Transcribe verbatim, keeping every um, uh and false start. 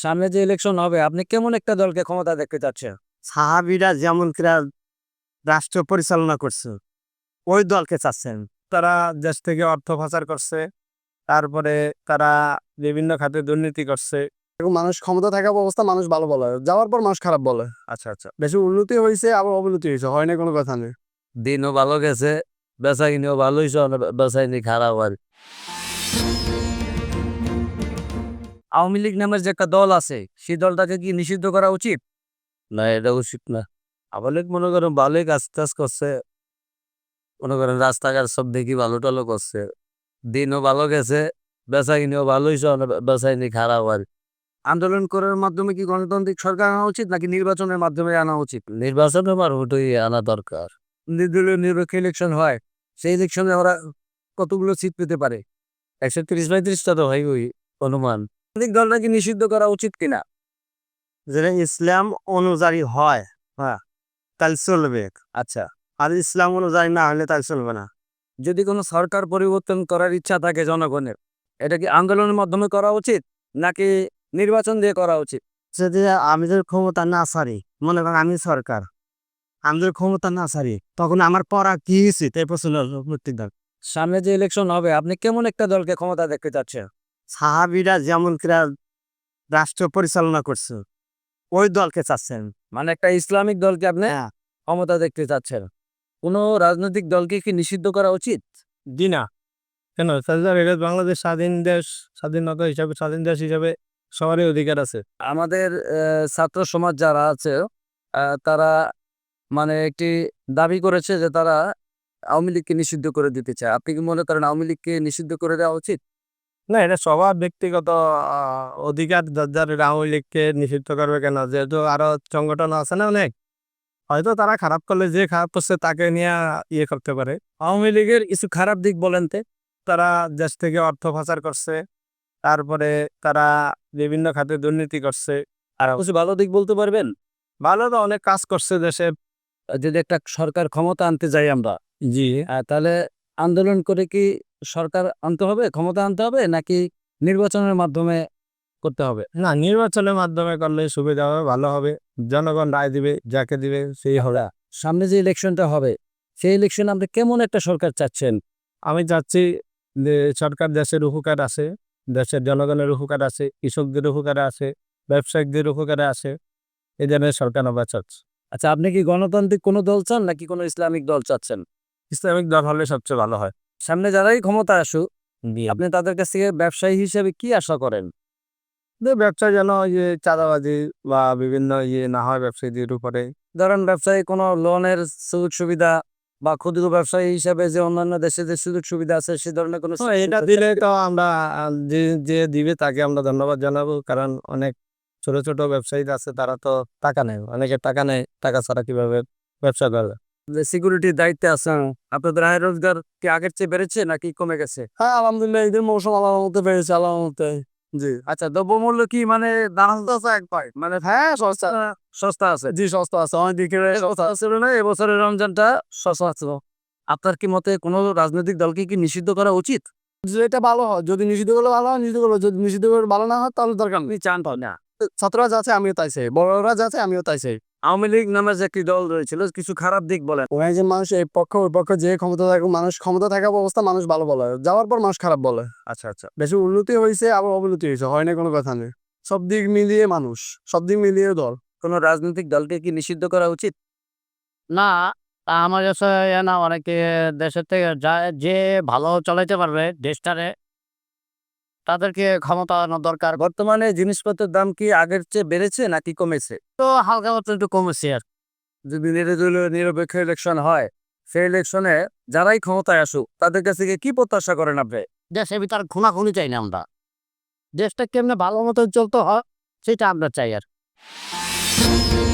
সামনে যে ইলেকশন হবে আপনি কেমন একটা দলকে ক্ষমতা দেখতে চাচ্ছেন? সাহাবীরা যেমন কিরা রাষ্ট্র পরিচালনা করছে, ওই দলকে চাচ্ছেন। তারা দেশ থেকে অর্থ পাচার করছে, তারপরে তারা বিভিন্ন খাতে দুর্নীতি করছে। এবং মানুষ ক্ষমতা থাকা অবস্থা মানুষ ভালো বলে, যাওয়ার পর মানুষ খারাপ বলে। আচ্ছা, আচ্ছা। বেশি উন্নতি হয়েছে আবার অবনতি হয়েছে, হয় না কোনো কথা নেই। দিনও ভালো গেছে, বেচাকিনিও ভালো হইছে, অনে বেচাকিনি খারাপ আর। আওয়ামী লীগ নামের যে একটা দল আছে, সেই দলটাকে কি নিষিদ্ধ করা উচিত? না, এটা উচিত না। আওয়ামী লীগ মনে করেন ভালোই কাজ-টাজ করছে। মনে করেন রাস্তাঘাট সব দেখি ভালো-টালো করছে। দিনও ভালো গেছে, বেচাকিনিও ভালো হইছে, অনে বেচাকিনি খারাপ আর। আন্দোলন করার মাধ্যমে কি গণতান্ত্রিক সরকার আনা উচিত নাকি নির্বাচনের মাধ্যমে আনা উচিত? নির্বাচনের মারফতই আনা দরকার। নির্দলীয় নিরপেক্ষ ইলেকশন হয়, সেই ইলেকশনে ওরা কতগুলো সিট পেতে পারে? একশো ত্রিশ পঁয়ত্রিশটা তো হয় ওই অনুমান। রাজনৈতিক দল নাকি নিষিদ্ধ করা উচিত কিনা? যেটা ইসলাম অনুযায়ী হয়, হ্যাঁ, তাহলে চলবে। আচ্ছা, আর ইসলাম অনুযায়ী না হলে তাহলে চলবে না। যদি কোনো সরকার পরিবর্তন করার ইচ্ছা থাকে জনগণের, এটা কি আন্দোলনের মাধ্যমে করা উচিত নাকি নির্বাচন দিয়ে করা উচিত? যদি আমাদের ক্ষমতা না ছাড়ি, মনে করেন আমি সরকার, আমাদের ক্ষমতা না ছাড়ি, তখন আমার পড়া কি উচিত এই প্রশ্নের প্রত্যেক দল। সামনে যে ইলেকশন হবে আপনি কেমন একটা দলকে ক্ষমতা দেখতে চাচ্ছেন? সাহাবীরা যেমন কিরা রাষ্ট্র পরিচালনা করছে, ওই দলকে চাচ্ছেন। মানে একটা ইসলামিক দলকে আপনি হ্যাঁ, ক্ষমতা দেখতে চাচ্ছেন। কোনো রাজনৈতিক দলকে কি নিষিদ্ধ করা উচিত? জি না। কেন স্যার, এটা বাংলাদেশ স্বাধীন দেশ, স্বাধীনতা হিসাবে স্বাধীন দেশ হিসাবে সবারই অধিকার আছে। আমাদের আহ, ছাত্র সমাজ যারা আছে আহ, তারা মানে একটি দাবি করেছে যে তারা আওয়ামী লীগকে নিষিদ্ধ করে দিতে চায়। আপনি কি মনে করেন আওয়ামী লীগকে নিষিদ্ধ করে দেওয়া উচিত? না, এটা সবার ব্যক্তিগত আহ, অধিকার। যার যার আওয়ামী লীগকে নিষিদ্ধ করবে কেন, যেহেতু আরো সংগঠন আছে না অনেক, হয়তো তারা খারাপ করলে যে খারাপ করছে তাকে নিয়ে ইয়ে করতে পারে। আওয়ামী লীগের কিছু খারাপ দিক বলেন তে। তারা দেশ থেকে অর্থ পাচার করছে, তারপরে তারা বিভিন্ন খাতে দুর্নীতি করছে। আর কিছু ভালো দিক বলতে পারবেন? ভালো তো অনেক কাজ করছে দেশে। আহ, যদি একটা সরকার ক্ষমতা আনতে যাই আমরা, জি, আহ, তাহলে আন্দোলন করে কি সরকার আনতে হবে, ক্ষমতা আনতে হবে নাকি নির্বাচনের মাধ্যমে করতে হবে? না, নির্বাচনের মাধ্যমে করলে সুবিধা হবে, ভালো হবে। জনগণ রায় দিবে, যাকে দিবে সেই হবে। আচ্ছা, সামনে যে ইলেকশনটা হবে সেই ইলেকশনে আপনি কেমন একটা সরকার চাচ্ছেন? আমি চাচ্ছি যে সরকার দেশের উপকার আছে, দেশের জনগণের উপকার আছে, কৃষকদের উপকারে আছে, ব্যবসায়িকদের উপকারে আছে, এই ধরনের সরকার আমরা চাচ্ছি। আচ্ছা, আপনি কি গণতান্ত্রিক কোনো দল চান নাকি কোনো ইসলামিক দল চাচ্ছেন? ইসলামিক দল হলে সবচেয়ে ভালো হয়। সামনে যারাই ক্ষমতা আসুক আপনি তাদের কাছ থেকে ব্যবসায়ী হিসেবে কি আশা করেন? যে ব্যবসা যেন ওই যে চাঁদাবাজি বা বিভিন্ন ইয়ে না হয় ব্যবসায়ীদের উপরে। ধরেন ব্যবসায়ী কোনো লোনের সুযোগ সুবিধা বা ক্ষুদ্র ব্যবসায়ী হিসেবে যে অন্যান্য দেশে যে সুযোগ সুবিধা আছে সে ধরনের কোনো তো সুযোগ এটা সুবিধা দিলে থাকবে? তো আমরা আহ, যে যে দিবে তাকে আমরা ধন্যবাদ জানাবো, কারণ অনেক ছোট ছোট ব্যবসায়ী আছে, তারা তো টাকা নেয়, অনেকের টাকা নেয়, টাকা ছাড়া কিভাবে ব্যবসা করবে। যে সিকিউরিটির দায়িত্বে আছেন, আপনাদের আয় রোজগার কি আগের চেয়ে বেড়েছে নাকি কমে গেছে? হ্যাঁ, আলহামদুলিল্লাহ, ঈদের মৌসুম আল্লাহ মতো পেরেছে, আল্লাহ মতো। জি, আচ্ছা, দ্রব্যমূল্য কি মানে দাম আছে এক পাই মানে হ্যাঁ, সস্তা। আহ, সস্তা আছে? জি, সস্তা আছে, অনেক দিকে সস্তা। সস্তা ছিল না, এবছরের রমজানটা সস্তা ছিল। আপনার কি মতে কোনো রাজনৈতিক দলকে কি নিষিদ্ধ করা উচিত? যেটা ভালো হয়, যদি নিষিদ্ধ করলে ভালো হয়, নিষিদ্ধ করলে, যদি নিষিদ্ধ করে ভালো না হয় তাহলে দরকার নেই। আপনি চান পান না? ছাত্ররা যাচ্ছে আমিও তাই চাই, বড়রা যাচ্ছে আমিও তাই চাই। আওয়ামী লীগ নামের যে একটি দল রয়েছিল কিছু খারাপ দিক বলেন। ওখানে যে মানুষ এই পক্ষ ওই পক্ষ যে ক্ষমতা থাকে, মানুষ ক্ষমতা থাকা অবস্থা মানুষ ভালো বলে, যাওয়ার পর মানুষ খারাপ বলে। আচ্ছা, আচ্ছা। বেশি উন্নতি হয়েছে আবার অবনতি হয়েছে, হয় না কোনো কথা নেই। সব দিক মিলিয়ে মানুষ, সব দিক মিলিয়ে দল। কোনো রাজনৈতিক দলকে কি নিষিদ্ধ করা উচিত? না, তা আমার কাছে ইয়ে না, অনেকে দেশের থেকে যা যে ভালো চালাইতে পারবে দেশটারে তাদেরকে ক্ষমতা আনানো দরকার। বর্তমানে জিনিসপত্রের দাম কি আগের চেয়ে বেড়েছে নাকি কমেছে? তো হালকা মতো একটু কমেছে আর কি। যদি নির্দলীয় নিরপেক্ষ ইলেকশন হয় সেই ইলেকশনে যারাই ক্ষমতায় আসুক তাদের কাছ থেকে কি প্রত্যাশা করেন আপনি? দেশের ভিতর খুনাখুনি চাই না আমরা, দেশটা কেমনে ভালো মতো চলতে হয় সেটা আমরা চাই আর